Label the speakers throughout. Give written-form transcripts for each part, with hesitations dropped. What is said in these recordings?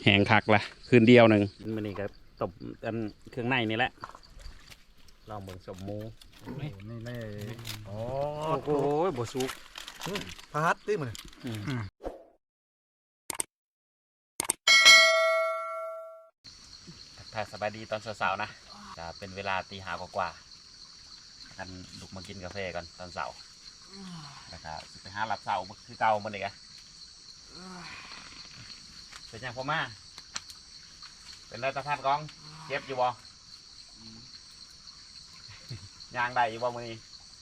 Speaker 1: แห้งคักละคืนเดียวหนึ่งมันนี่ก็ตบกันเครื่องในนี่แหละลองเบิ่งสมหมู
Speaker 2: นี่แน่โอ้
Speaker 1: โหบ่สุก
Speaker 2: พัดดิมัน
Speaker 1: ถ้าสบายดีตอนเช้าๆนะจะเป็นเวลาตี 5กว่ากันลุกมากินกาแฟก่อนตอนเช้าแล้วก็ไปหาหลับเช้าคือเก่ามันอีกอะเป็นยังพ่อมาเป็นไรตาท่านกองเจ็บอยู่บ่ยางได้อยู่บ่มือนี้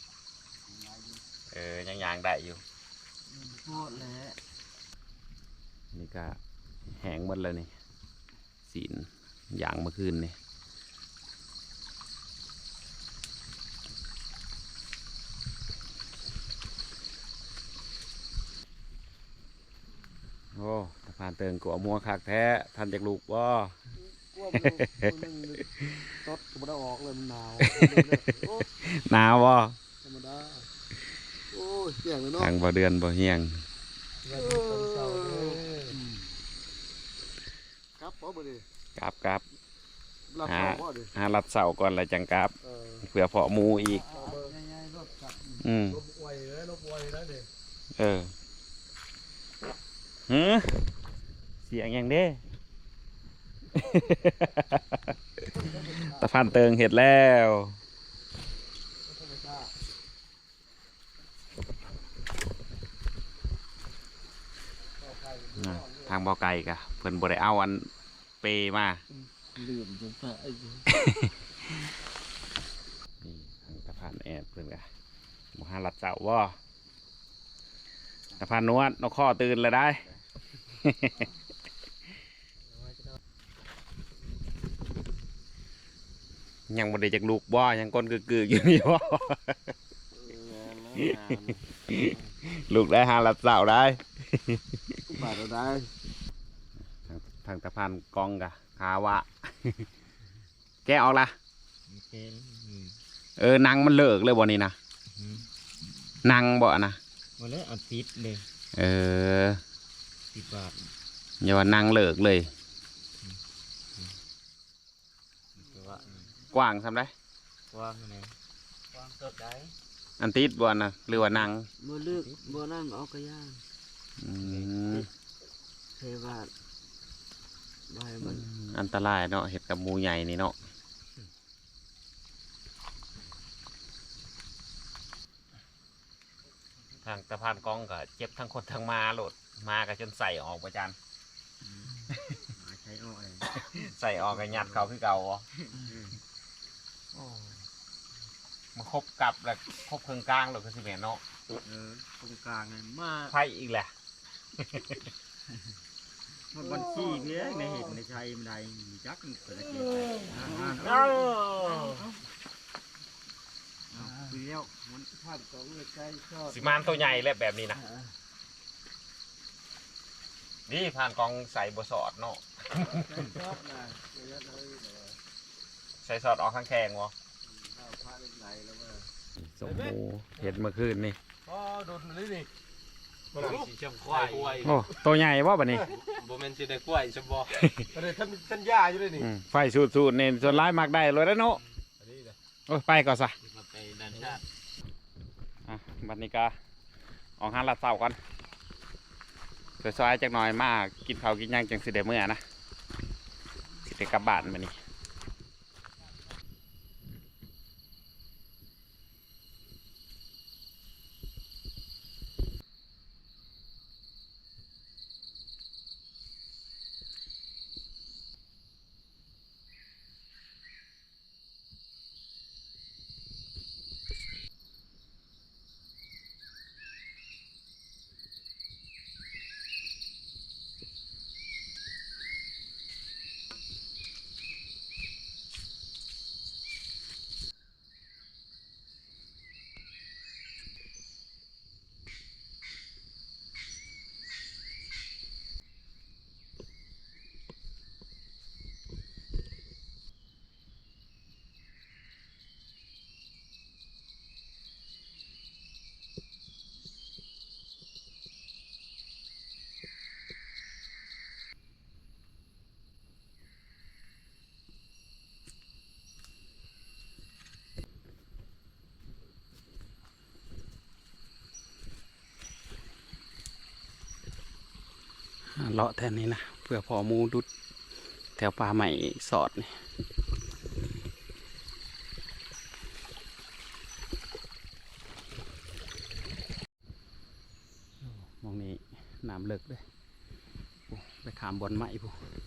Speaker 1: ยังยางได้อยู่โคตรเลยนี่ก็แห้งหมดเลยนี่สีนยางเมื่อคืนนี่โอ้ตะพานเติงกัวมัวคักแท้ท่านจากลูกบ่
Speaker 2: ตดก็ไม่ได้ออกเลยมันหนาว
Speaker 1: หนาวบ่
Speaker 2: ธรรมดาโอ้ยเสียงเลยเนาะ
Speaker 1: ทางบ่เดือนบ่เฮียง
Speaker 2: ครับพอบ่ดิ
Speaker 1: กลับหาลัดเสาก่อนแล้วจังกลับเผื่อเพาะหมูอีก
Speaker 2: ลบไวเลยลบไวแล้วเ
Speaker 1: ด็
Speaker 2: ก
Speaker 1: เสียงอย่างเด้ ตะพานเติงเห็ดแล้วทางบ่อไก่กะเพิ่นบ่ได้เอาอันเปมา
Speaker 2: ลืมจนตาย
Speaker 1: นี่ทางตะพานแอดเพิ่นกะบ่หาลัดเสาบ่ตะพานนวดนกข้อตื่นแล้วได้ ยังบ่ได้จากลูกบ่ยังก้นกึกๆอยู่นี่บ่ลูกได้หาลัดเสาได้
Speaker 2: บาดได้
Speaker 1: ทางตะพานกองกะขาวะ แกออกละนังมันเลิกเลยบ่นี่นะนังบ่นะ
Speaker 3: วันนี้เอาติดเลย10 บาท
Speaker 1: อย่าว่านังเลิกเลยกว้างทำได้
Speaker 3: กว้างไหนกว้างสดได้
Speaker 1: อันติดบ่นะหรือว่านัง
Speaker 3: บ่เลือกบ่นั่งเอากระย่างเทวาใบมัน
Speaker 1: อันตรายเนาะเห็ดกับหมูใหญ่นี่เนาะทางตะพานกองก็เจ็บทั้งคนทั้งมาโหลดมาก็จนใส่ออกประจัน
Speaker 3: ใช้ออก
Speaker 1: ใส่ออกกันยัดเขาคือเก่ามาครบกับแล้วครบเครื่องกลางหรือคือสิเมนเนาะ
Speaker 3: ตรงกลางเลยมา
Speaker 1: ไพ่อีกแหละ
Speaker 3: มันบัญชีเนี้ยในเห็นในชัยมันได้จักเปิดเกม
Speaker 1: สิมานตัวใหญ่แหละแบบนี้นะนี่ผ่านกองใส่บสอดเนาะใส่สอดออกข้างแข้งวะสมมูเห็ดเมื่อคืนนี่
Speaker 2: โดนเลยนี่
Speaker 3: สีชมควาย
Speaker 1: โอ้ตัวใหญ่วะแบบนี้
Speaker 3: โบเมนสีได้กล้วยชมบอ
Speaker 2: อะไรท่านย่าอยู่เลยนี่
Speaker 1: ไฟสูดเนี่ยส่วนร้ายมากได้เลยแล้วเนาะโอ้ไปก่อนซะ
Speaker 3: ไปดันชาติ
Speaker 1: บัดนี้ก็ออกหาลัดเสาก่อนซอยๆจักหน่อยมากกินข้าวกินย่างจังสิเดเมื่อนะสิเดกลับบ้านมานี่เลาะแทนนี้นะเพื่อพอหมูดุดแถวป่าใหม่สอดนี่มองนี้น้ำเลิกเลยไปขามบอนไม้พู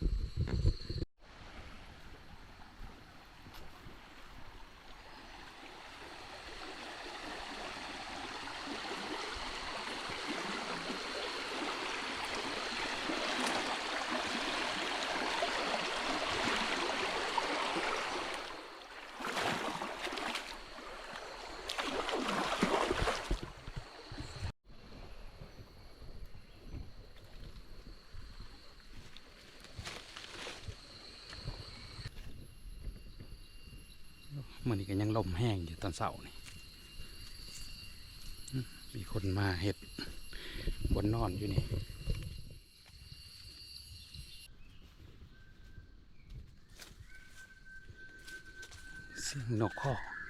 Speaker 1: มันนี่ก็ยังลมแห้งอยู่ตอนเสาร์นี่มีคนมาเห็ดบนนอนอยู่นี่เสียงนกข้อ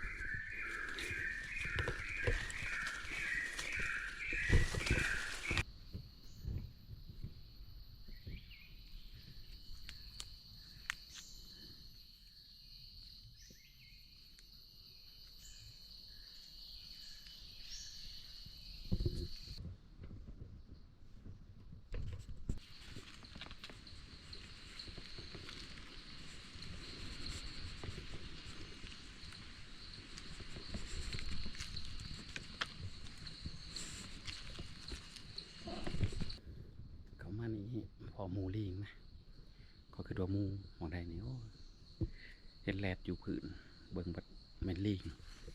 Speaker 1: เขามานี่พอหมูลิงนะก็คือตัวหมูมองได้นี่โอ้เห็นแลดอยู่พื้นเบิ่งบัดแม่นลิง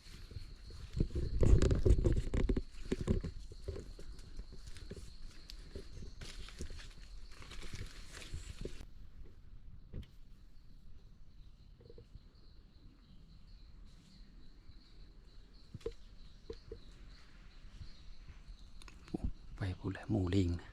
Speaker 1: ไปพูดแล้วหมูลิงนะ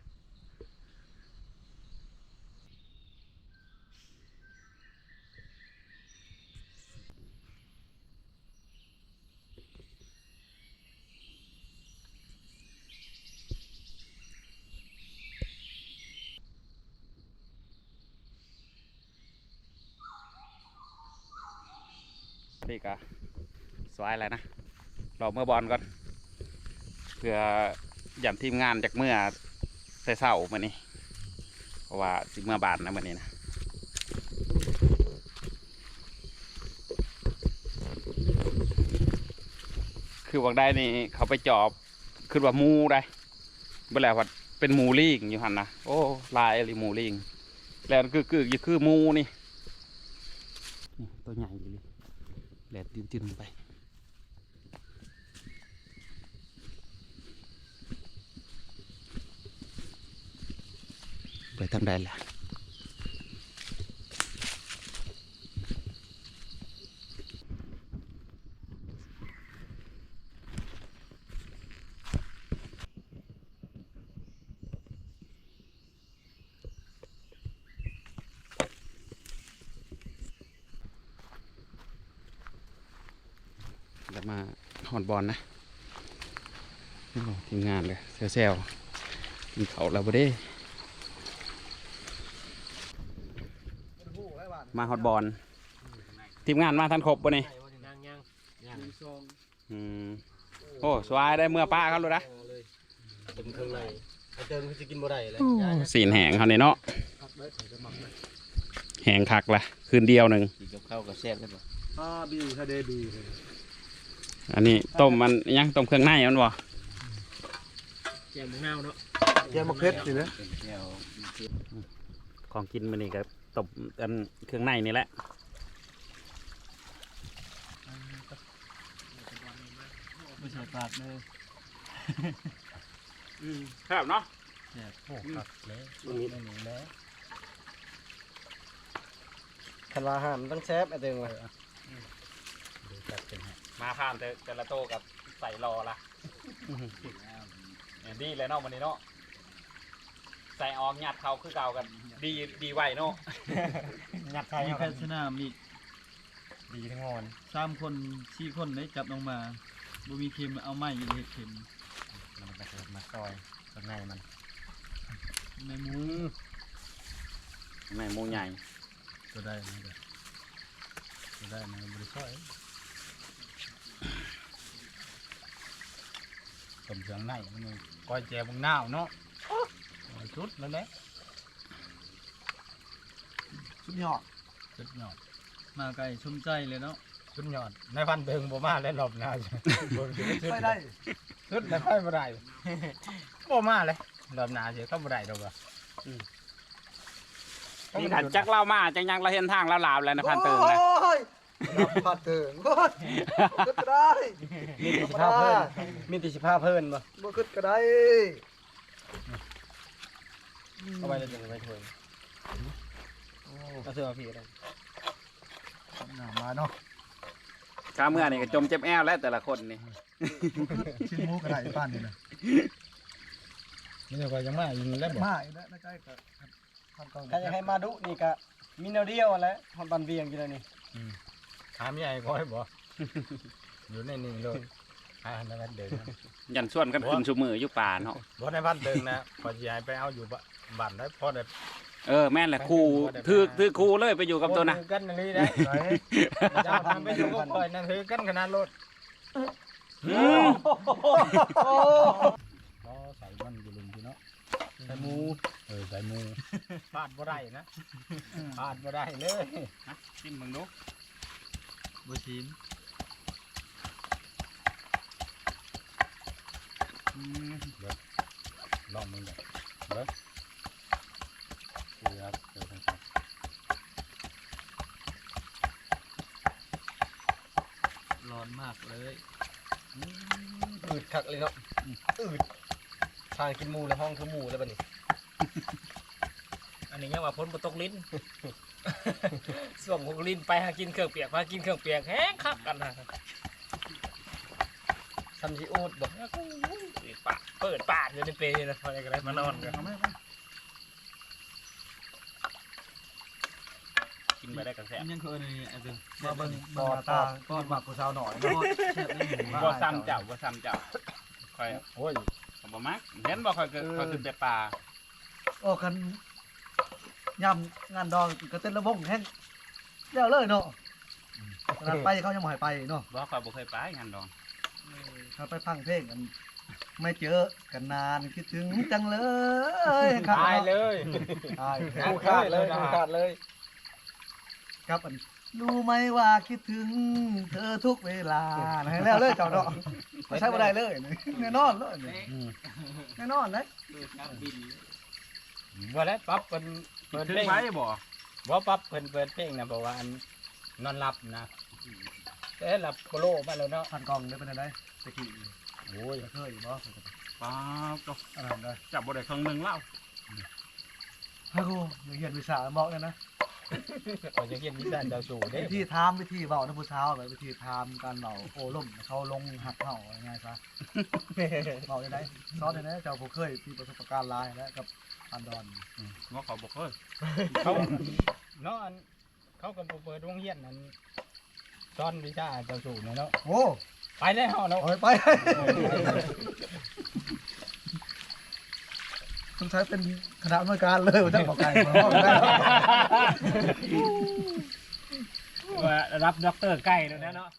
Speaker 1: นี่ก็สวยแล้วนะเราเมื่อบอลก่อนเพื่อย้ำทีมงานจากเมื่อแต่เช้ามานี่เพราะว่าสิเมื่อบานนะมื่อนี้นะคือบอกได้นี่เขาไปจอบคือว่ามูได้เมื่อไหร่ว่าเป็นมูลิงอยู่หันนะโอ้ลายอะไรมูลิงแล้วคือมูนี่ตัวใหญ่เลยแหลดจืนๆไปไปทางใดล่ะแล้วมาหอนบอลนะทีมงานเลยเซลกินเขาแล้วบ่ได้มาฮอตบอลทีมงานมาทันครบป่ะนี่โอ้สวายได้เมื่อป้าเขาเลยนะ
Speaker 3: เป็นเครื่องในเติมจะกินบ่ได้เลย
Speaker 1: สีนแหงเขาเนี่ยเนาะแหงคักละคืนเดียวหนึ่ง
Speaker 3: กินกับข้าวกับแซ่บได้ป่ะ
Speaker 2: บิวทะเลบีเลย
Speaker 1: อันนี้ต้มมันยังต้มเครื่องในมันบ่
Speaker 3: แจ่วมะนาวเนาะ
Speaker 2: แจ่วมะเขือสินะ
Speaker 1: ของกินมันนี่ก็ต้มกันเครื่องในนี่แหละ
Speaker 3: ไม่ใช่ปากเลย
Speaker 1: ครับเนาะ
Speaker 3: โอ้ครับแล้ว
Speaker 2: ตรงนี้ไม่มีแล้วคันว่าห้ามต้องแซฟไอ้เต็งเลย
Speaker 1: มาผ่านแต่ละโตกับใส่รอละดีเลยเนาะวันนี้เนาะใส่ออกหยัดเขาคือเก่ากันดีไวเนาะ
Speaker 3: หยัดใส่
Speaker 4: มีแพทย์สนามอีก
Speaker 3: ดีทั้งงอน
Speaker 4: 3 คน4 คนได้จับลงมาบ่มีเข็มเอาไม้อยู่เฮ็ดเข็ม
Speaker 3: มันก็เกิดมาซอยข้างในมัน
Speaker 4: ในหมู
Speaker 1: แม่หมูใหญ่
Speaker 4: ก็ได้นะก็ได้นะบริษัทต้มเครื่องในมันก้อยแจวบางนาวเนาะชุดนั่นแหละ
Speaker 2: สุดยอด
Speaker 4: ชุดยอดมาไก่ชุ่มใจเลยเนาะชุดยอดในพันเดิงบ่มาแล้วรอบหน้า
Speaker 2: ไม่ได้
Speaker 4: ชุดในค่อยบ่ได้บ่มาเลยรอบหน้าเสียก็บ่ได้ดอกว่ะ
Speaker 1: นี่ขันจักเล่ามาจังยังเราเห็นทางแล้วลาวแล้วนะพันเติงนะ
Speaker 2: โอ้ยพันเติงโอ้ยขึ้นก็ได้
Speaker 4: มีติสิภาพเพิ่นมีติสิภาพเพิ่นบ่
Speaker 2: บ่ขึ้นก็ได้
Speaker 4: เอาไว้แล้วจังไว้ถ้วยก็เสื้อพี่ได้
Speaker 2: มาเนาะ
Speaker 1: ข้าเมื่อนี่ก็จมเจ็บแอวแล้วแต่ละคนนี่
Speaker 2: ชิ้นหมูก็ได้ป้านนี่นะ
Speaker 4: นี่ก็ยังมาอีกแล้วบ่
Speaker 2: มาอีกแล้วนะใกล้ก็ทำกอง
Speaker 5: ถ้าอยากให้มาดุนี่ก็มีแนวเดียวแหล้วทำบันเวียงอยู่แล้วนี่
Speaker 4: ถามใหญ่ก้อยบ่อยู่ในนี่เลยในพันเดิง
Speaker 1: ยันส่วนกันขึ้นชูมืออยู่ป่าเนาะ
Speaker 4: บ่ในพันเดิงนะพอสิให้ไปเอาอยู่บ้านได้พอได้
Speaker 1: แม่นแหละครูถือครูเลยไปอยู่กับตัวนะ
Speaker 4: กันนี่ได้เจ้าทำไปอยู่กับก้อยนั่นคือกันขนาดรถก็ใส่มันอยู่ลุมพี่เนาะใส่หมูใส่หมูพลาดบ่ได้นะพลาดบ่ได้เลยชิมมึงดูบ่ชิมลองมึงเลยเด้อครับเดี๋ยวผมร้อนมากเลย
Speaker 5: อืดคักเลยเนาะอืดทางกินหมูแล้วห้องคือหมูแล้วบัดนี้
Speaker 3: อันนี้ยังว่าพ้นบ่ตกลิ้น ส่วงของลิ้นไปหากินเครื่องเปียกมากินเครื่องเปียกแห้งคักกันนะ
Speaker 5: ซัมซิอูดบ่
Speaker 3: เปิดปากอยู่ในเปรย์นะพอจะได้มานอนกันกินไปได้กันแซ่บ
Speaker 4: ยังเคยนี่ไอ้ตึง
Speaker 2: มาเบิ่งบ่ตาก้อนหมักผู้สาวหน่อยเนาะ
Speaker 4: แซ่บเลยหมู
Speaker 1: บ่ซ้ำเจ้าบ่ซ้ำเจ้าคอย
Speaker 4: โอ้ย
Speaker 1: บ่มักเห็นบ่คอยขึ้นแต่ป่า
Speaker 2: โอ้คันย่ำงานดองก็เต้นระบงแห้งเดี๋ยวเลยเนาะขนาดไปเขายังบ่ให้ไปเนาะ
Speaker 1: บ่คอยบ่เคยไปงานดอง
Speaker 2: ถ้าไปฟังเพลงกันไม่เจอกันนานคิดถึงจังเลย
Speaker 4: ตายเลย
Speaker 2: ตาย
Speaker 5: กูขาดเลยกูขาดเลย
Speaker 2: ครับอันรู้ไหมว่าคิดถึงเธอทุกเวลาให้แล้วเลยเจ้าเนาะไม่ใช่บ่ได้เลยแน่นอนเลยแน่นอนเลย
Speaker 4: บ่ได้ปรับเปิด
Speaker 1: ถึง
Speaker 4: เพลง
Speaker 1: ไปบ่
Speaker 4: บ่ปรับเปิดเพลงนะเพราะว่าอันนอนหลับนะแต่หลับโคโลมาแล้วเนาะ
Speaker 2: ผ่านกล่องได้เป็นไงตะกี้
Speaker 4: โอ้ย
Speaker 2: เคยอยู่บ่
Speaker 1: ป้าก็
Speaker 2: อะไรได้
Speaker 1: จับบ่ได้ครั้งนึงแล้ว
Speaker 2: ฮัลโหลเรียนวิชาบอกเลยนะ
Speaker 4: ก็จะเขียนวิจารณ์เจ้าสู่เด้
Speaker 2: วิธีทามวิธีเบานะผู้เช้าแบบวิธีทามการเบาโอ้ล่มเขาลงหักเห่าง่ายซะเบาได้ไหนซอสได้ไหนเจ้าผู้เคยมีประสบการณ์หลายแล้วกับอันดอน
Speaker 1: ว่าเขาบ่เคย
Speaker 4: เขาเนาะอันเขาก็บ่เปิดโรงเรียนนั้นสอนวิชาเจ้าสู่เนาะ
Speaker 2: โอ้
Speaker 4: ไปแล้วเนาะ
Speaker 2: ไปต้องใช้เป็นคณะอำนวยการเลยท่านบอกไก่มาห้องได้
Speaker 3: ว่ารับด็อกเตอร์ใกล้แล้วนะเนาะ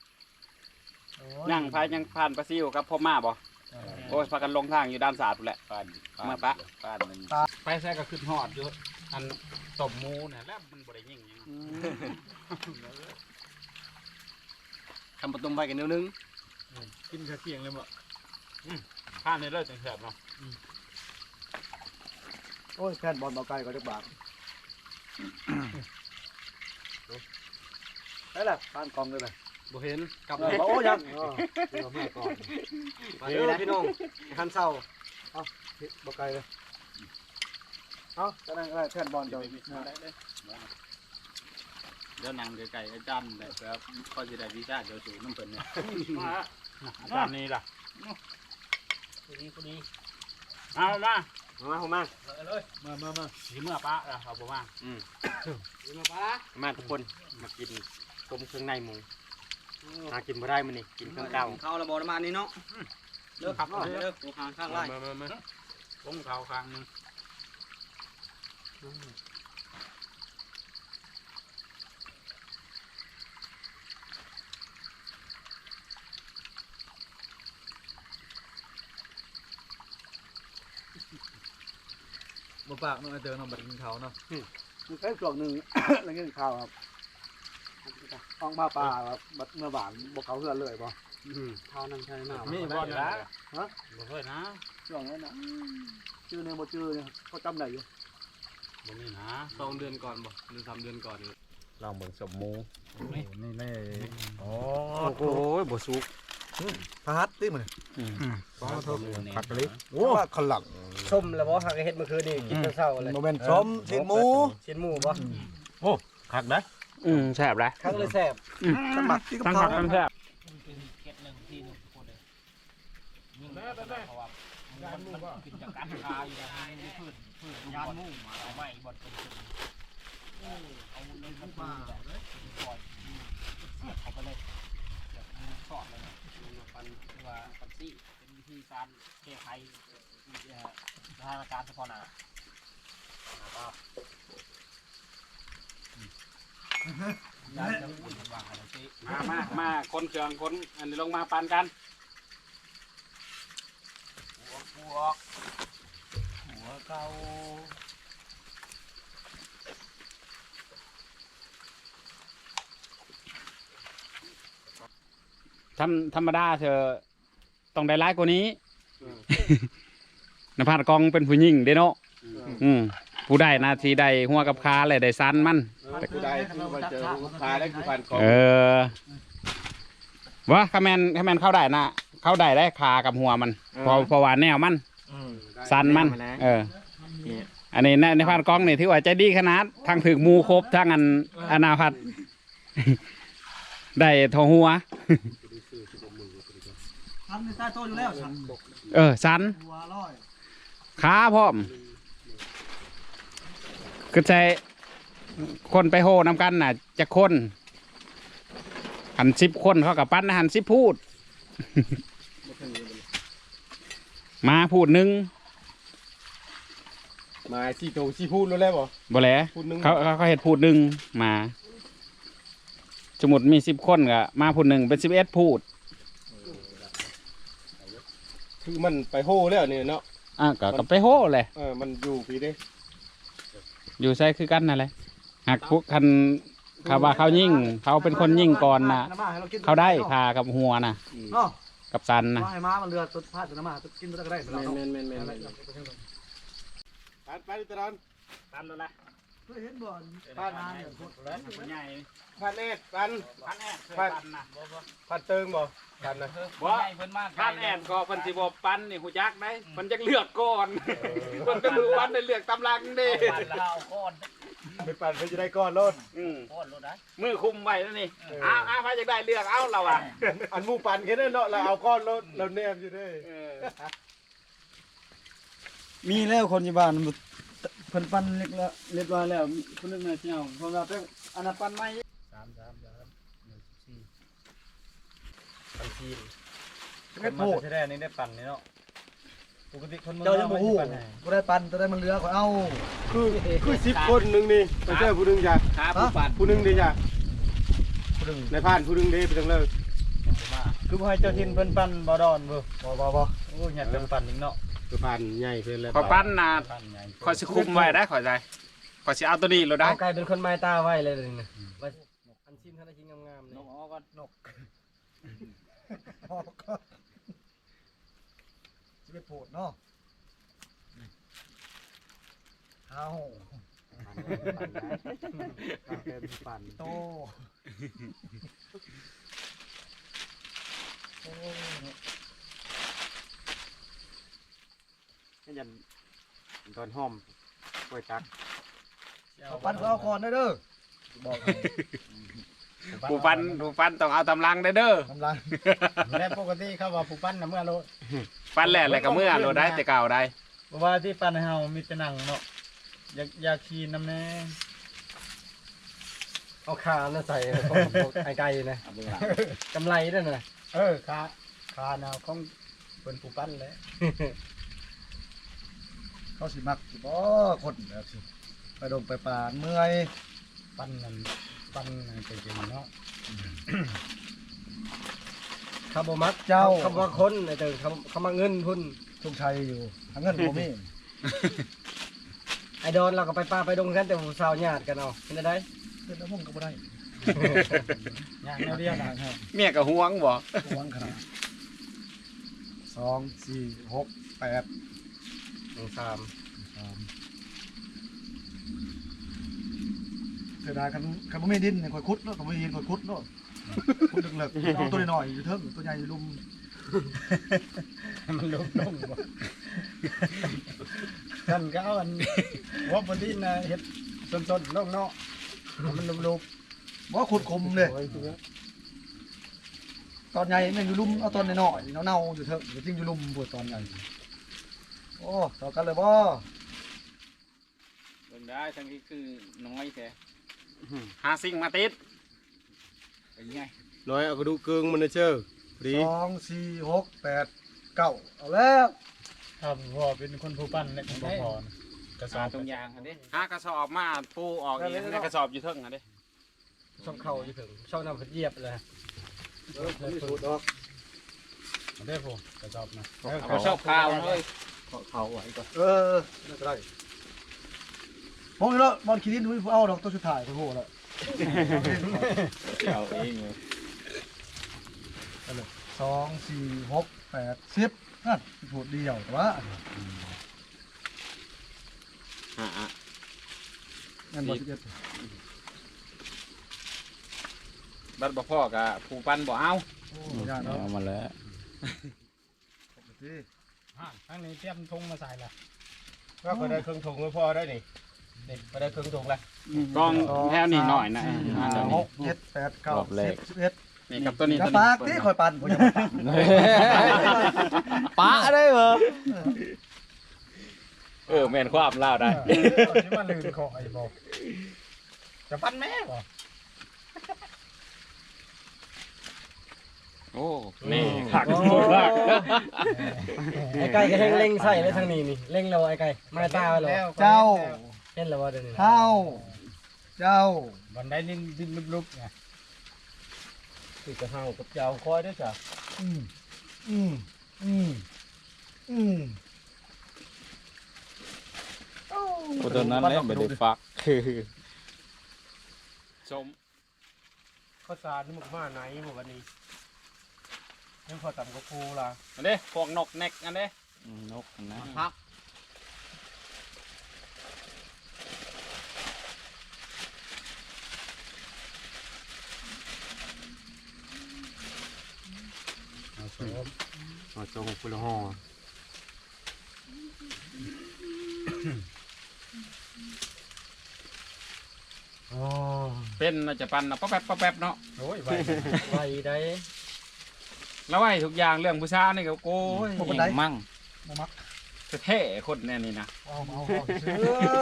Speaker 1: ยังพายยังผ่านปลาซิวกับพ่อมาบ่โอ้ยพากันลงทางอยู่ด้านศาสตร์พุ่นแหละมาปะไปแซ่ก็ขึ้นฮอดอยู่อันตบหมูน่ะแล้วมันบ่ได้ยิงหยัง
Speaker 5: ทำประตูไปกันนิดนึง
Speaker 4: กินกระเทียงเลยบ่
Speaker 1: ผ่านในเลิศจังแซ่บเนาะ
Speaker 2: โอ้ยแฟนบอลเบาไก่ก็จะบาดได้ละผ่านกองเลยเลย
Speaker 5: บ่เห็น
Speaker 2: กลับเลยโอ้ยังเดี๋ยวมาก่อน
Speaker 5: มาเด้อพี่น้องทันเศร้า
Speaker 2: เบาไก่เลยเอาจะนั่งอะไรแฟนบอลเจ้า
Speaker 1: เดี๋ยวนั่งไกลๆอาจารย์ได้ครับก็สิได้วิชาเจ้าสู่น้ำเพิ่นเนี่ยอาจารย์นี่ล่ะ
Speaker 3: พอดี
Speaker 1: เอามา
Speaker 5: มาผมมา
Speaker 1: มาสิเมื่อปะล่ะเอาบ่มา
Speaker 5: มาทุกคนมากินต้มเครื่องในหมูหากินบ่ได้มื้อนี้กินเครื่องเก่า
Speaker 3: เข้าระบบน้ำมันนี่เนาะ
Speaker 1: เด้อครับ
Speaker 3: เด้อกูข้างข้างไล่
Speaker 1: ผมเขาครั้งนึง
Speaker 2: ปากน้องไอเตอร์น้องบัดกินข้าวเนาะมันแค่ช่วงหนึ่ง แล้วกินข้าวครับห้องมาปลาครับบัดเมื่อวานบอกเขาเพื่อนเลยป่ะ
Speaker 5: ข้าวนั่งใช่หน้า
Speaker 4: มี
Speaker 5: มี
Speaker 4: บ่นะ
Speaker 2: ฮะ
Speaker 4: บ่เคยนะ
Speaker 2: ช่วงนั้นนะชื่อเนี่ยบ่ชื่อเนี่ยเขาจำได้อยู่
Speaker 4: บ่มีนะ
Speaker 5: 2 เดือนก่อนบ่หรือ3 เดือนก่อนนี่
Speaker 1: ลองเบิ่งสมหมู
Speaker 4: นี่นี่โอ้
Speaker 1: โอ้ยบ่สุก
Speaker 2: พาฮัตติมัน
Speaker 4: ผักกะลิ
Speaker 2: โอ้ขลัง
Speaker 3: ส้มแล้วบ่หักเฮ็ดเมื่อคืนนี่กินแต่เช้าเลย
Speaker 2: โมเมนต์ส้มชิ้นหมู
Speaker 3: ชิ้นหมูบ่
Speaker 4: ผักได้
Speaker 1: แซ่บเลย
Speaker 3: ครั้งเลยแซ่บ
Speaker 2: สมัครที่กับ
Speaker 1: ทั้ง
Speaker 2: เขา
Speaker 1: ผักทั้งแซ่บ
Speaker 3: เป็นเก็ด1ที่1ทุกคนเลยยิ่งเพราะว่ามันกินจากการคาอยู่นะมีพืชยานหมู่มาเอาไม้บ่เป็นเอาเลยมาปล่อยเสียบเข้าไปเลยสอดเลยปันว่าปันซี่เป็นวิธีการแก้ไขสถานการณ์เฉพาะหน้าครับยานจะอุ่นวางอะไรสิ
Speaker 1: มาคนเครื่องคนอันนี้ลงมาปานกัน
Speaker 3: หัวเก่า
Speaker 1: ธรรมดาเธอต้องได้ร้ายกว่านี้ นภัสกองเป็นผู้หญิงเด้เนาะผู้ได้นาทีได้หัวกับขาเลยได้ซันมัน
Speaker 5: กูได้คือมาเจอพาได้คือผ่านกอง
Speaker 1: ว่าคาแมนเข้าได้นะเข้าได้ได้ขากับหัวมันพอว่าแนวมันซันมันอันนี้ในพานกองนี่ถือว่าใจดีขนาดทางถึกมูครบทางอันอนาพัด ได้ทอหัว
Speaker 2: ทำในใต้โต๊ะอยู่แล้วฉัน
Speaker 1: ซัน
Speaker 2: หัวร้อย
Speaker 1: ขาพร้อมก็ใช้คนไปโหนำกันน่ะจะคนหัน10 คนเขากับปั้นหัน10 พูด มาพูดหนึ่ง
Speaker 5: มา4 โต4พูดแล้วบ่
Speaker 1: บ่แหละ
Speaker 5: พูดหนึ่ง
Speaker 1: เขาเห็ดพูดหนึ่งมาสมมุติมี10 คนก็มาพูดหนึ่งเป็น11 พูด
Speaker 5: คือมันไปโหแล้วนี่เนาะ
Speaker 1: ก็ไปโหเลย
Speaker 5: มันอยู่ปีเด้
Speaker 1: อยู่ใช่คือกันนั่นแหละหากพวกคันเขาว่าเขายิ่งเขาเป็นคนยิ่งก่อนนะเขาได้คากับหัวนะ
Speaker 2: เนาะ
Speaker 1: กับซันนะ
Speaker 2: ว่าให้ม้ามันเรือตุดพาดตุดน้ำมาตุดกินตุดก็ได้เราเนาะ
Speaker 5: แม่นไปตลอด
Speaker 3: ตามแล้วนะ
Speaker 2: เพื่อเห็นบ่อนพาดน้ำเนี่ยโคตรแรง
Speaker 3: ใหญ่
Speaker 5: พันแอดพัน
Speaker 3: พันแอดพันนะ
Speaker 5: พันเติงบ่พันนะ
Speaker 3: บ่ใหญ่เพิ่นมาก
Speaker 1: ท่านแอนก็เพิ่นสิบ่ปั้นนี่หูจักได้เพิ่นจักเลือกก่อนเพิ่นก็รู้วันได้เลือกตำลังเด้
Speaker 3: พันแล้วเอาก้อน
Speaker 5: ไปปั่นเพื่อจะได้ก้อนรถ
Speaker 3: ก้อนรถได้
Speaker 1: มือคุมไว้แล้วนี่อ้าวพายจักได้เลือกเอาเราอ่ะ
Speaker 5: อันหมูปั่นแค่นั้นเนาะเราเอาก้อนรถเราแนมอยู่ด้วย
Speaker 2: มีแล้วคนที่บ้านเพิ่นปั้นเรียบร้อยแล้วคนนึงน่ะเจ้าเพราะว่าเป็นอันนั้นปั้นไม้
Speaker 3: พันทีน
Speaker 2: เฮ็ดโหด
Speaker 4: แท้ๆนี่ได้ปั่นนี่เนาะปกติคนเมือง
Speaker 2: เจ้ายังบ่ฮู้บ่ได้ปั้นแต่ได้มันเรือก็เอา
Speaker 5: คือ10 คนหนึงนี่ไปเจอผู้หนึงจ้ะ
Speaker 1: ขาผู้ปัด
Speaker 5: ผู้หนึงดิจ้ะในผ่านผู้หนึงดิไปจังเลย
Speaker 4: คือบ่ให้เจ้าทินเพิ่นปั่นบ่ดอนบ่
Speaker 2: บ่
Speaker 4: โอ้ยยัดเป็นปั่นอีกเนาะ
Speaker 5: คือผ่านใหญ่เพิ่นแล้ว
Speaker 1: ขอปั้นนะ
Speaker 4: ปั่นใหญ่
Speaker 1: ขอสิคุมไว้ได้ขอใจขอสิเอาตัวนี้เราได้
Speaker 3: เอากลายเป็นคนไม้ตาไว้เลยนะว่าอันชิ้นท่านชิ้นงามๆ
Speaker 2: น
Speaker 3: นี่
Speaker 2: กออกก็นกสิเป็นโผดเนาะเอา
Speaker 5: ปั่น
Speaker 2: โต
Speaker 5: ให้ยันตอนหอมกล้วยตัก
Speaker 2: เอาปั้นก็เอาก่อนได้เด้อบอก
Speaker 1: ผู้ปั้นต้องเอาตำลังได้เด้อก
Speaker 2: ำลัง
Speaker 4: และปกติเขาว่าผู้ปั่นน่ะเมื่อโล
Speaker 1: ปั้นแหละอะไรก็เมื่อเราได้แต่เก่าได้
Speaker 4: เพราะว่าที่ปั่นให้เฮามีแต่หนังเนาะอยากขี่น้ำแน่
Speaker 3: เอาขาน่ะใส่ไอ้ไก่นะกำไรด้วยนะ
Speaker 4: คาแนวของเพิ่นผู้ปั่นแหละ
Speaker 2: เขาสิมักสิบ่คนแบบสิไปดงไปป่าเมื่อย
Speaker 4: ปั่นนั่นปั่นจริงๆเนาะ
Speaker 3: เขาบ่มัก
Speaker 2: เจ้า
Speaker 3: เขาบ่คนไอ้เติงเขามาเงินพุ่น
Speaker 2: ทุกชัยอยู่ทางเงินบ่มี
Speaker 3: ไอดอนเราก็ไปป้าไปดงกันแต่ผู้สาวญาติกันเอาเป็นได้
Speaker 2: เฮ็ดแล้วผมก็บ่ได้
Speaker 4: ย่างแนวเดียวนะ
Speaker 1: เมียก็ห่วงบ่
Speaker 2: หวงขนาด2 4 6 8
Speaker 3: 3
Speaker 2: เสียดายคันบ่มีดินเนี่ยข่อยขุดเนาะคันบ่มีดินข่อยขุดเนาะขุดเลิกๆเอาตัวน้อยๆอยู่เทิงตัวใหญ่อยู่ลุม
Speaker 4: มันลุกลงบ่กันก็เอาอันว่าบนดินนะเฮ็ดต้นๆลงเนาะมันลุก
Speaker 2: บ่ขุดคมเลยตอนใหญ่แม่งอยู่ลุมเอาตอนน้อยๆเน่าๆอยู่เทิงจริงอยู่ลุมปวดตอนใหญ่โอ้ต่อกันเลยบ่
Speaker 1: เบิ่งได้ทั้งนี้คือน้อยแท้หาสิ่งมาติดเป็นไง
Speaker 5: น้อยเอากระดูกเกิงมันนะเชื่อดี
Speaker 2: 2 4 6 8 9เอาแล้ว
Speaker 4: ๆครับพ่อเป็นคนผู้ปั้นและของพ่อกระส
Speaker 1: หา
Speaker 4: อบ
Speaker 1: ตรงยางอันนี้หากระสอบมาปูออกอีกในกระสอบอยู่เทิงอันนี้
Speaker 3: ช่องเข่าอยู่ถึงช่องน้ำเหยียบเลย
Speaker 2: มีสูตรดอก
Speaker 4: ได้พ่อกระสอบนะ
Speaker 1: เอากระสอบข้าวเลย
Speaker 3: เขาไว้ก่อน
Speaker 2: น่าจะได้มองอยู่แล้วบอลคิรินดูเอาดอกตัวสุดท้ายโอ้โหแล้ว
Speaker 1: เอาเองเลย
Speaker 2: 2 4 6 8 10นั่นสูตรเดียวแต่ว่า งั้นบ่11
Speaker 1: บัดบ่พ่อกับผู้ปั้นบ่เอา
Speaker 2: โอ้ยากเนาะ
Speaker 1: เอามาแล้ว
Speaker 4: ข้างนี้เตรียมธงมาใส่ละ
Speaker 5: ก็พอได้เครื่องถุงก็พอได้นี่เด็กพอได้เครื่องถุงแล้ว
Speaker 1: กล้องแถวนี้หน่อยนะ
Speaker 2: 6 7 8 9 10 11
Speaker 1: นี่กับตัวนี้
Speaker 2: กระ
Speaker 1: ตัว
Speaker 2: ปา
Speaker 1: นี้
Speaker 2: กที่คอยปั่นผมจะ
Speaker 1: ปะได้เหรอแม่นความเล่าได้
Speaker 4: ที่ว่าลืมขอไอ้บอกจะปั้นแม่บ่
Speaker 1: โอ้นี่หักหมดละ
Speaker 3: ไอ้ไก่ก็เล็งใส่เลยทางนี้นี่เล็งแล้วไอ้ไก่มาตาไว้แล้ว
Speaker 2: เจ้า
Speaker 3: เห็นแล้วว่าเดี๋ยวนี้
Speaker 2: เท้าเจ้า
Speaker 4: บันไดดินลุกๆไง
Speaker 3: คือกระเฮากับเจ้าคอยด้วยจ้ะ
Speaker 2: อืมอืมอืมอืม
Speaker 1: ตัวนั้นเนี่ยไม่ได้ฟักชม
Speaker 5: ข้าวสารนี่มันมาไหนหมดวันนี้ยังพอต่ำกว่าครูละ
Speaker 1: อันนี้พวกนกเน็กอันนี้นกนะพัก
Speaker 5: อ๋อจงคุณละห่อ
Speaker 1: เป็นน่าจะปันนะป๊อปแป๊บป๊อปแป๊บเนาะ
Speaker 4: โอ้ยไป
Speaker 3: ไว้ได้
Speaker 1: แล้วไอ้ทุกอย่างเรื่องผู้ชายนี่ก็โอ้ยมั่ง
Speaker 2: บ่มัก
Speaker 1: แท้ๆคนแน่นี่นะ
Speaker 2: เอาซื้อ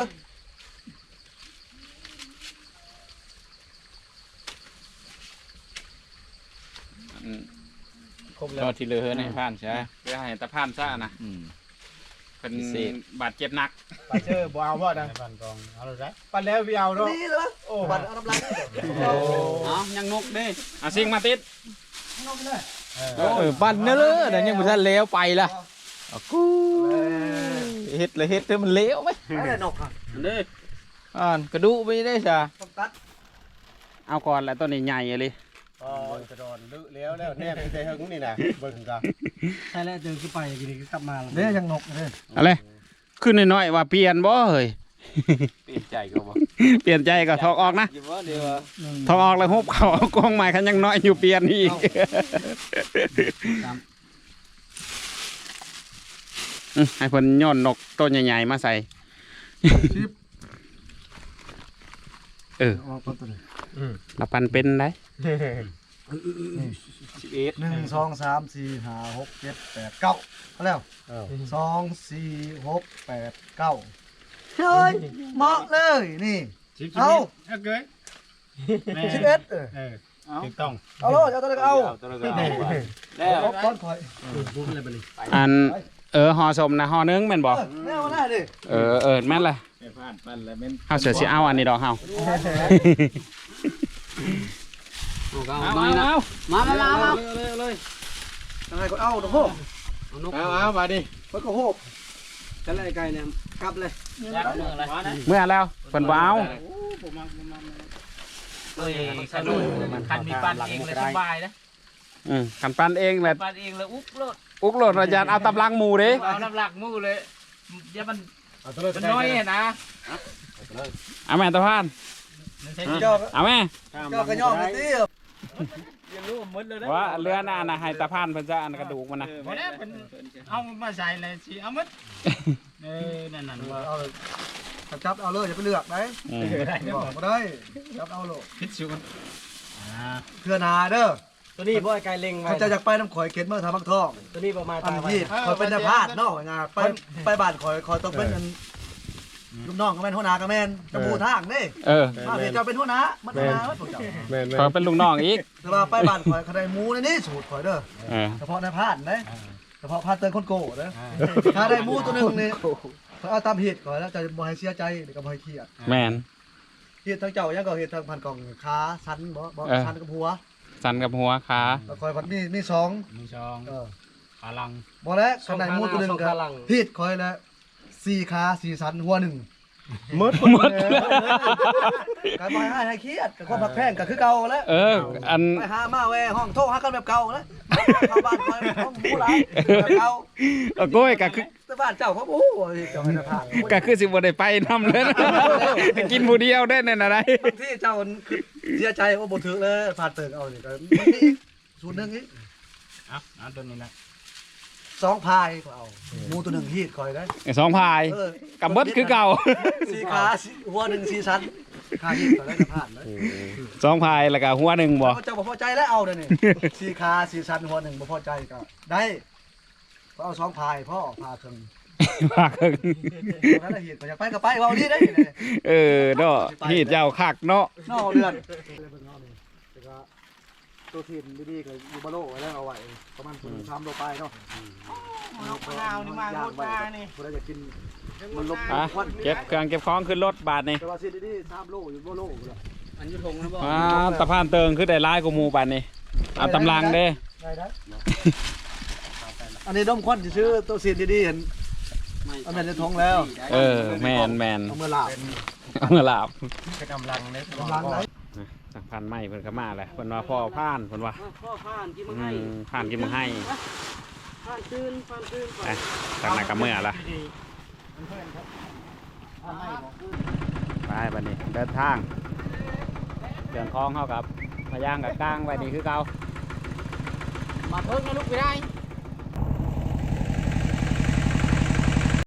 Speaker 3: ครบแล้
Speaker 1: ก็
Speaker 3: ว
Speaker 1: ที่เหลือในผ่านใช่เพื่อให้ตะผ่านซ่านะเป็นบาดเจ็บหนัก
Speaker 5: ไปเจอบ่เอาบ่นะ
Speaker 4: ในบ้านกองเอาเลยได้
Speaker 5: ปันแล้วพี่เอาเนาะ
Speaker 2: นี่เลยโอ้บัตรเอาน้ำลาย
Speaker 1: เอายังนกเด้เอาสิ่งมาติด
Speaker 2: นกเลย
Speaker 6: ปั่นเนอะเลยแต่ยังไม่ทันเลี้ยวไปละกูเฮ็ดเลยเฮ็ดให้มันเลี้ยวไหม
Speaker 2: อะไรนกอ่ะ
Speaker 1: อันนี้
Speaker 6: กระดูไปได้จ้ะ
Speaker 2: ต้องตัด
Speaker 1: เอาก่อนแล้วตัวนี้ใหญ่เลย
Speaker 5: อ๋อกระดอนลึแล้วแนบไปหึงนี่นะเบิ่งกัน
Speaker 3: ใช่แล้วเดินขึ้นไปทีนี้ก็กลับมาแล้ว
Speaker 2: เนี่ยยังนกเลย
Speaker 1: อะไรขึ้นน้อยๆว่าเปลี่ยนบ่เฮ้ย
Speaker 6: เปลี่ยนใจก็บ่
Speaker 1: เปลี่ยนใจก็ถอกออกนะถอกออกแล้วฮุบเขาเอากองใหม่คันยังน้อยอยู่เปลี่ยนอีกให้เพิ่นย้อนนกตัวใหญ่ๆมาใส่
Speaker 2: ออกตัวนี้
Speaker 1: เราปันเป็นได้
Speaker 2: 1 2 3 4 5 6 7 8 9เอาแล้ว2 4 6 8 9เฮ้ยเหมาะเลยนี่ เอา
Speaker 4: เอาเกย
Speaker 2: 11
Speaker 4: ถูกต้อง
Speaker 2: เอาโลดเอาตัวนี้เอา
Speaker 6: ตัวนึงเอาแล้ว
Speaker 2: เอาก้อนคอย
Speaker 1: อันห่อสมนะห่อนึงแม่นบ่
Speaker 2: แม่เอาได้ดิ
Speaker 1: แม่นเลยเฮาเสือสิเอาอันนี้ดอกเฮา
Speaker 3: เอามา
Speaker 2: ยังไงก็เอาดอกโหบ
Speaker 5: เอามาดิ
Speaker 2: มันก็โหบจะไล่ไก่เนี่ยกลับเลย
Speaker 3: ยัดมือเลย
Speaker 1: เมื่อแล้วเพิ่นบ่เอา
Speaker 3: เอ้ยสนุกคันมีปั้นเองเลยสบายนะ
Speaker 1: กันปั้นเองแหละ
Speaker 3: ปั้นเองเลยอุ๊บโลด
Speaker 1: อุกโหลดอาจารย์เอาตำลังหมูเด้
Speaker 3: เอาน้ำหลักมู่เลยเดี๋ยวมันน้อยนะ
Speaker 1: เอาแม่ตะพาน
Speaker 2: เจ้า
Speaker 1: เอาแม่
Speaker 2: เจ้ากระยองไปสิ
Speaker 3: ยังรู้หมดเลยนะ
Speaker 1: ว่าเรือน่ะนะให้ตะพานเพิ่นจะอันกระดูกมันนะ
Speaker 3: พอแล้วเป็นเอามาใส่เลยสิเอามัดนั่นว่า
Speaker 2: เอาเลยจับเอาเลยอย่าไปเลือกไหม
Speaker 1: อืม
Speaker 2: บอกมาได้จับเอาโลก
Speaker 3: พิชกัน
Speaker 2: เพื่อนาเด้อ
Speaker 5: ตัวนี้บ่ไอ้ไก่เล็งไว้
Speaker 2: เขาจะอยากไปน้ำข่อยเก็ดเมื่อทำบักทอง
Speaker 5: ตัวนี้ประมาณ
Speaker 2: อัน
Speaker 5: ตาไว้
Speaker 2: ที่ข่อยเป็นนภาสเนาะงานไปบ้านข่อยต้องเป็นลูกน้องก็แม่นหัวหน้าก็แม่นจะบูทางนี่
Speaker 1: เออ
Speaker 2: มาเดี๋ยวเจ้าเป็นหัวหน้ามันหัวหน้าพวกเจ้า
Speaker 1: ขอเป็นลูกน้องอีก
Speaker 2: แต่ว่าไปบ้านข่อยเขาได้หมูในนี่สูตรข่อยเด้อ
Speaker 1: เออ
Speaker 2: เฉพาะในพาดนะเฉพาะพาดเตือนคนโก้นะถ้าได้หมูตัวหนึงนี่เขาเอาตามเหตุก่อนแล้วจะบ่ให้เสียใจหรือก็บ่ให้เครียด
Speaker 1: แม่น
Speaker 2: เหตุทางเจ้ายังก็เหตุทางพันกล่องขาสันบ่สันกับหัว
Speaker 1: สันกับหัวขา
Speaker 2: แล้วข่อยพัดมีสอง
Speaker 3: มีช่อง
Speaker 2: เออ
Speaker 3: ขาลัง
Speaker 2: บ่แล้วขนาดหมูตัวหนึงก็ผิดข่อยแล้ว4ขา4สันหัวหนึ่ง
Speaker 1: หมด
Speaker 2: การบ่ให้เครียดกับความผักแพงก็คือเก่าแล้ว
Speaker 1: เออ อัน
Speaker 2: ไปหามาแวห้องโทรหากันแบบเก่าแล้วเข้าบ้านข่อยห้องหมูหลายแบบเก่า
Speaker 1: เอาโก้ยก็คือ
Speaker 2: แต่บ้านเจ้าเขาโอ้ยเจ้าให้พา
Speaker 1: ก็คือสิบ่ได้ไปนำเลยนะกินผู้เดียวได้นั่นอะไร
Speaker 2: บางที่เจ้าคือเสียใจว่าบ่ถึกเลยผ่านเติกเอานี่ก็มันมีสูตรหนึงอีก
Speaker 3: เอาตัวนี้นะ
Speaker 2: 2พายก็เอาหมูตัวหนึงฮีดคอยได้
Speaker 1: สองพาย
Speaker 2: เออ
Speaker 1: กับเบิดคือเก่า
Speaker 2: สี่ขาหัวหนึ่งสี่ชั้นขาฮีดก็ได้จะผ่านเลย
Speaker 1: สองพายแล้วก็หัวหนึ่งบ่
Speaker 2: เจ้าบ่พอใจแล้วเอาเด้อนี่สี่ขาสี่ชั้นหัวหนึ่งบ่พอใจก็ได้ก็เอา2พายพ่อพาถึง
Speaker 1: พาครึ่ง
Speaker 2: นั้นน่ะฮีดก็อยากไปก็ไปเว้านี่ได้นี่
Speaker 1: เออเนาะที่เจ้าคักเนาะ
Speaker 2: นอกเดือนตัวทีมดีๆก็อยู่บ่โลไว้แล้วเอาไว้ประมาณ3โลไปเนาะ
Speaker 3: นกมะนาวนี่มาโคตรมานี่
Speaker 2: บ่ได้จะกินมันลบ
Speaker 1: อ่ะเก็บเครื่องเก็บของขึ้นรถบาทนี่
Speaker 2: แต่ว่าสิดีๆ3โลอยู่บ่โลอยู่แล้ว
Speaker 3: อันยุทงนะบ่
Speaker 1: ตะพานเติงคือได้หลายกว่าหมู่บาทนี่เอาตำลังเด้
Speaker 2: ได้ได้อันนี้ด้มควันซื้อตัวสีดีๆเห็นเอาแม่นจะทงแล้ว
Speaker 1: เออแมน
Speaker 2: เอามือลาบ
Speaker 1: เอามาลาบ
Speaker 3: กำลังเลย
Speaker 2: กำลังไหน
Speaker 1: สักพันไม้เพิ่นก็มาแหละเพิ่นว่าพ่อพานเพิ่นว่า
Speaker 5: พ่อผ่านกิน
Speaker 1: พานกินมึงให้
Speaker 5: ผ่านตื่น
Speaker 1: ไปทางไหนก็เมื่อละไปบัดนี้เดินทางเดินคลองเฮากับพะยางกับก้างไว้นี่คือเก่า
Speaker 3: มาเพิ่งนะลูกไปได้